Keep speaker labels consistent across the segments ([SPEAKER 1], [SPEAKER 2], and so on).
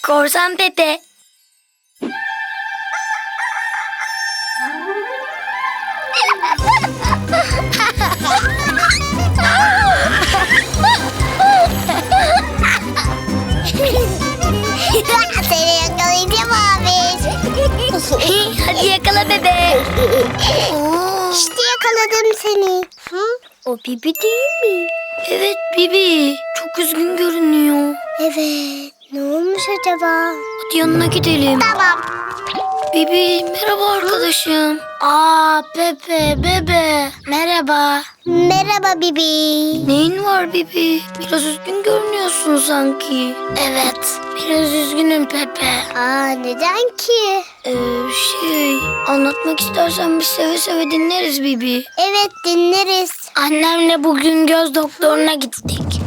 [SPEAKER 1] Korsan Pepe.
[SPEAKER 2] Seni yakalayacağım abi.
[SPEAKER 1] Hadi yakala bebe.
[SPEAKER 2] İşte yakaladım seni.
[SPEAKER 1] O Bibi değil mi? Evet Bibi. Çok üzgün görünüyor.
[SPEAKER 2] Evet. Ne olmuş acaba?
[SPEAKER 1] Hadi yanına gidelim.
[SPEAKER 2] Tamam.
[SPEAKER 1] Bibi merhaba arkadaşım. Pepe bebe. Merhaba.
[SPEAKER 2] Merhaba Bibi.
[SPEAKER 1] Neyin var Bibi? Biraz üzgün görünüyorsun sanki. Evet. Biraz üzgünüm Pepe.
[SPEAKER 2] Neden ki?
[SPEAKER 1] Anlatmak istersen biz seve seve dinleriz Bibi.
[SPEAKER 2] Evet, dinleriz.
[SPEAKER 1] Annemle bugün göz doktoruna gittik.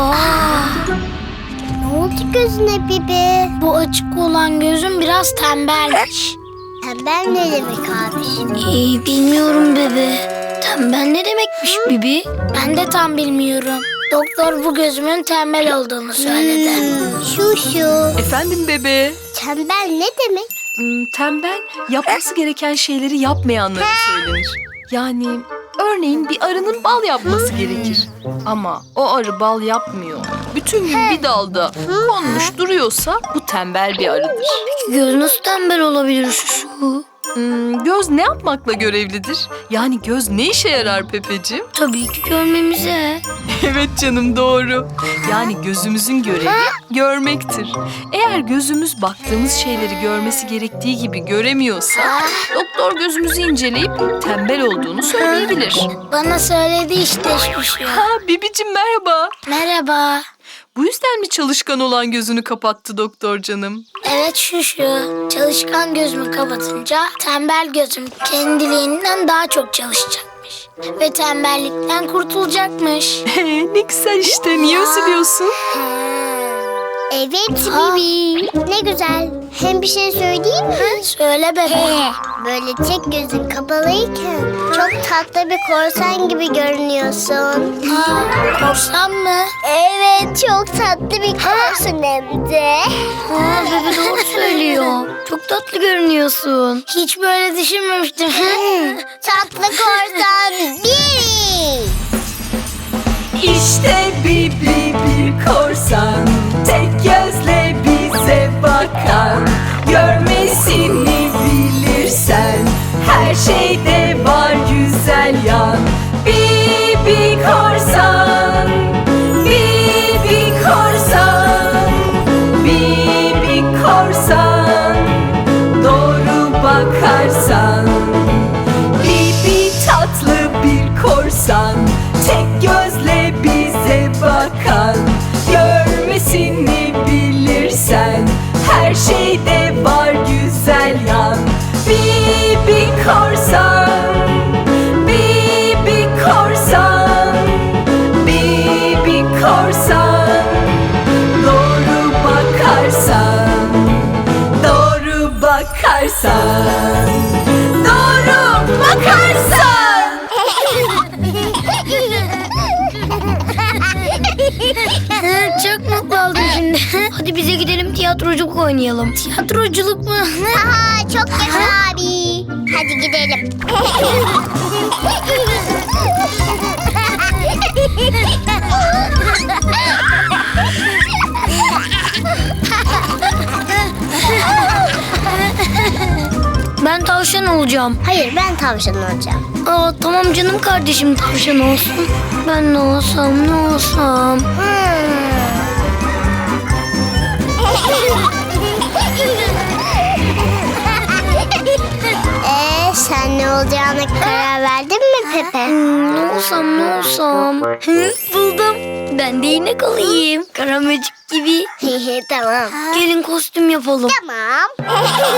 [SPEAKER 2] Ne oldu gözüne Bibi?
[SPEAKER 1] Bu açık olan gözüm biraz tembelmiş.
[SPEAKER 2] Tembel ne demek abi?
[SPEAKER 1] Bilmiyorum bebe. Tembel ne demekmiş Bibi? Ben de tam bilmiyorum. Doktor bu gözümün tembel olduğunu söyledi.
[SPEAKER 2] Şu.
[SPEAKER 3] Efendim bebe.
[SPEAKER 2] Tembel ne demek?
[SPEAKER 3] Tembel yapması gereken şeyleri yapmayanlara söylenir. Yani örneğin bir arının bal yapması gerekir. Ama o arı bal yapmıyor. Bütün gün bir dalda konmuş duruyorsa bu tembel bir arıdır.
[SPEAKER 1] Göz nasıl tembel olabilir şu?
[SPEAKER 3] Göz ne yapmakla görevlidir? Yani göz ne işe yarar Pepeciğim?
[SPEAKER 1] Tabii ki görmemize.
[SPEAKER 3] Evet canım, doğru. Yani gözümüzün görevi görmektir. Eğer gözümüz baktığımız şeyleri görmesi gerektiği gibi göremiyorsa doktor gözümüzü inceleyip tembel olduğunu söyleyebilir.
[SPEAKER 1] Bana söyledi işte şu.
[SPEAKER 3] Bibicim merhaba.
[SPEAKER 1] Merhaba.
[SPEAKER 3] Bu yüzden mi çalışkan olan gözünü kapattı doktor canım?
[SPEAKER 1] Evet şu. Çalışkan gözümü kapatınca tembel gözüm kendiliğinden daha çok çalışacakmış. Ve tembellikten kurtulacakmış.
[SPEAKER 3] Ne güzel işte. Niye üzülüyorsun?
[SPEAKER 2] Evet Bibi. Ne güzel. Hem bir şey söyleyeyim mi?
[SPEAKER 1] Söyle bebe.
[SPEAKER 2] Böyle tek gözün kapalıyken çok tatlı bir korsan gibi görünüyorsun.
[SPEAKER 1] Korsan mı?
[SPEAKER 2] Evet, çok tatlı bir korsan hem de.
[SPEAKER 1] Bebe doğru söylüyor. Çok tatlı görünüyorsun. Hiç böyle düşünmemiştim.
[SPEAKER 2] Tatlı korsan Bibi.
[SPEAKER 3] İşte Bibi bir korsan, tek gözle bize bakan. Görmesini bilirsen her şeyde var güzel yan. Bibi korsan, Bibi korsan, Bibi korsan, doğru bakarsan. Bibi tatlı bir korsan, tek gözle bize bakan. Görmesini bilirsen her şeyde var güzel yan. Bibi korsan, Bibi korsan, Bibi korsan, doğru bakarsan, doğru bakarsan, doğru bakarsan.
[SPEAKER 1] Çok mutlu oldum şimdi. Hadi bize gidelim tiyatroculuk oynayalım. Tiyatroculuk mu?
[SPEAKER 2] Çok yaşa abi. Hadi gidelim.
[SPEAKER 1] Ben tavşan olacağım.
[SPEAKER 2] Hayır, ben tavşan olacağım.
[SPEAKER 1] Tamam canım kardeşim tavşan olsun. Ben ne olsam?
[SPEAKER 2] Sen ne olacağına karar verdin mi Pepe?
[SPEAKER 1] Ne olsam? Buldum. Ben de inek olayım. Karamecik gibi.
[SPEAKER 2] Tamam.
[SPEAKER 1] Gelin kostüm yapalım.
[SPEAKER 2] Tamam.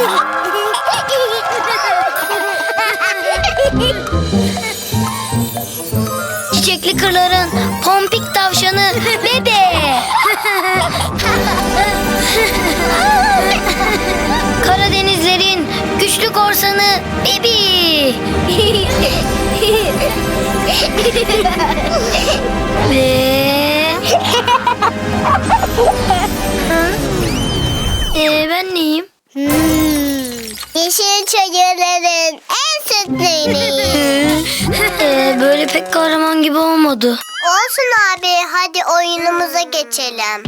[SPEAKER 1] Çiçekli kırların pompik tavşanı bebe. Karadenizlerin güçlü korsanı Bibi. Ve Ben neyim?
[SPEAKER 2] Yeşil çayırların en sütlü ineği.
[SPEAKER 1] Böyle pek kahraman gibi olmadı.
[SPEAKER 2] Olsun abi, hadi oyunumuza geçelim.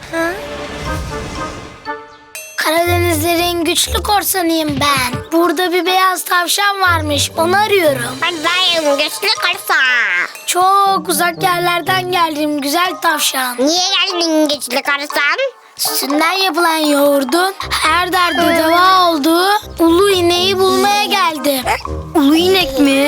[SPEAKER 1] Karadenizlerin güçlü korsanıyım ben. Burada bir beyaz tavşan varmış, onu arıyorum.
[SPEAKER 2] Ben güçlü korsan.
[SPEAKER 1] Çok uzak yerlerden geldim güzel tavşan.
[SPEAKER 2] Niye geldin güçlü korsan?
[SPEAKER 1] Sütünden yapılan yoğurdun her derde deva olduğu ulu ineği bulmaya geldim. Ulu inek mi?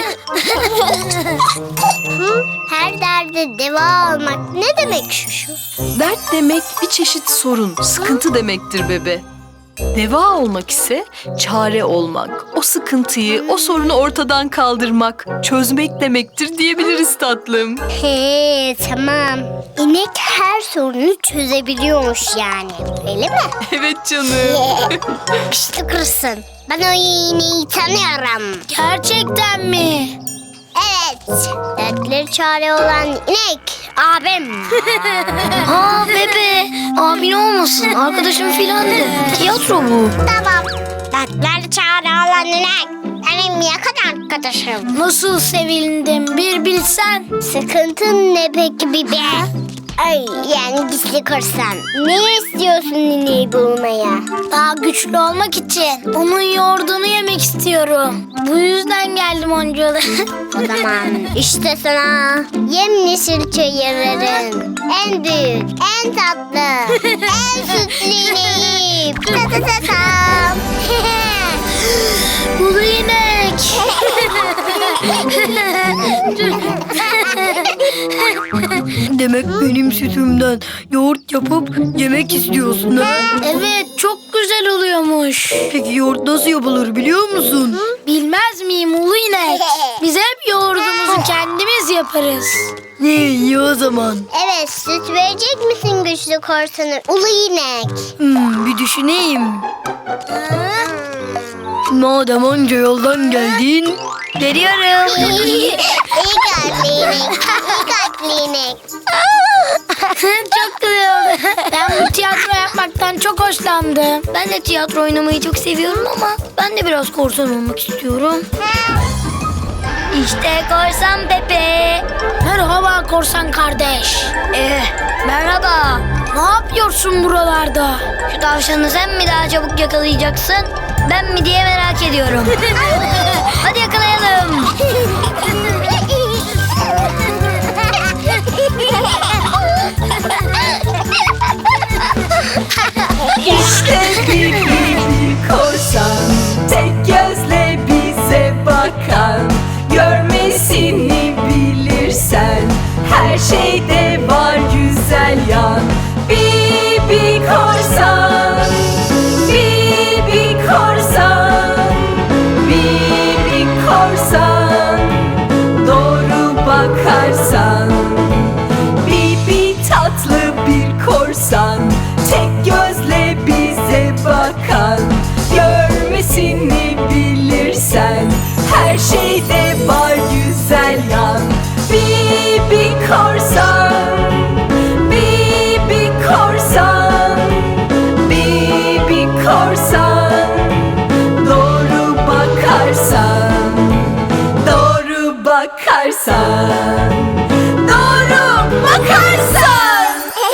[SPEAKER 2] Her derde deva olmak ne demek şu?
[SPEAKER 3] Dert demek bir çeşit sorun, sıkıntı demektir bebe. Deva olmak ise çare olmak, o sıkıntıyı, o sorunu ortadan kaldırmak, çözmek demektir diyebiliriz tatlım.
[SPEAKER 2] He, tamam. İnek her sorunu çözebiliyormuş yani. Öyle mi?
[SPEAKER 3] Evet canım.
[SPEAKER 2] Güçlü kırsın. Ben o ineği tanıyorum.
[SPEAKER 1] Gerçekten mi?
[SPEAKER 2] Evet. Dertleri çare olan inek. Abim.
[SPEAKER 1] Aa bebe, abin olmasın, arkadaşım filandı. Tiyatro bu.
[SPEAKER 2] Tamam. Dertleri çare olan inek. Benim yakın arkadaşım.
[SPEAKER 1] Nasıl sevindim bir bilsen.
[SPEAKER 2] Sıkıntın ne peki bibe? Ay, yani gizli korsan. Ne istiyorsun ineği bulmaya?
[SPEAKER 1] Daha güçlü olmak için onun yoğurdunu yemek istiyorum. Bu yüzden geldim oncalı.
[SPEAKER 2] O zaman işte sana yemyeşil çayırların en büyük, en tatlı, en sütlü ineği. Ta ta ta tam.
[SPEAKER 1] Ulu inek.
[SPEAKER 4] Demek benim sütümden yoğurt yapıp yemek istiyorsun ha?
[SPEAKER 1] Evet, çok güzel oluyormuş.
[SPEAKER 4] Peki yoğurt nasıl yapılır biliyor musun?
[SPEAKER 1] Bilmez miyim ulu inek? Biz hep yoğurdumuzu kendimiz yaparız.
[SPEAKER 4] Ne iyi o zaman.
[SPEAKER 2] Evet, süt verecek misin güçlü korsanı? Ulu inek.
[SPEAKER 4] Bir düşüneyim. Madem onca yoldan geldin, veriyorum.
[SPEAKER 2] İyi kalpli inek. İyi kalpli inek.
[SPEAKER 1] Çok güzel oldu. Ben bu tiyatro yapmaktan çok hoşlandım. Ben de tiyatro oynamayı çok seviyorum ama ben de biraz korsan olmak istiyorum. İşte korsan Pepe. Merhaba korsan kardeş. Merhaba. Ne yapıyorsun buralarda? Şu tavşanı sen mi daha çabuk yakalayacaksın? Ben mi diye merak ediyorum. Hadi yakalayalım.
[SPEAKER 5] İşte bir korsan, tek gözle bize bakan. Görmesini bilirsen, her şeyde var güzel yan. Bibi korsan, Bibi korsan, Bibi korsan, doğru bakarsan. Bibi tatlı bir korsan, tek gözle bize bakan. Görmesini bilirsen, her şeyde var güzel yan. Bibi korsan, Bibi korsan, Bibi korsan, doğru bakarsan, doğru bakarsan, doğru bakarsan.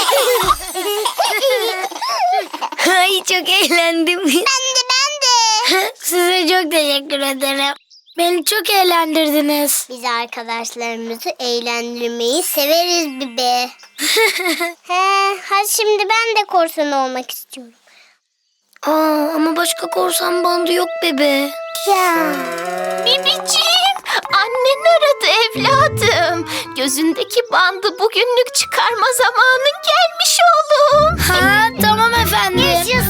[SPEAKER 1] Ay çok eğlendim.
[SPEAKER 2] Ben de.
[SPEAKER 1] Size çok teşekkür ederim. Beni çok eğlendirdiniz.
[SPEAKER 2] Biz arkadaşlarımızı eğlendirmeyi severiz Bibi. Hadi şimdi ben de korsan olmak istiyorum.
[SPEAKER 1] Ama başka korsan bandı yok bebe.
[SPEAKER 2] Ya.
[SPEAKER 6] Bibiciğim, annen aradı evladım. Gözündeki bandı bugünlük çıkarma zamanın gelmiş oğlum.
[SPEAKER 1] Ha tamam efendim.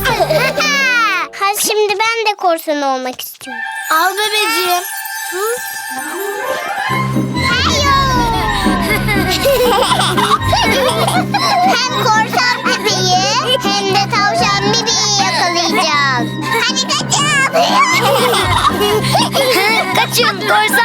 [SPEAKER 2] Hadi şimdi ben de korsan olmak istiyorum.
[SPEAKER 1] Al bebeciğim.
[SPEAKER 2] Hem korsan Bibi'yi hem de tavşan Bibi'yi yakalayacağız. Hadi kaçın.
[SPEAKER 1] Kaçın korsan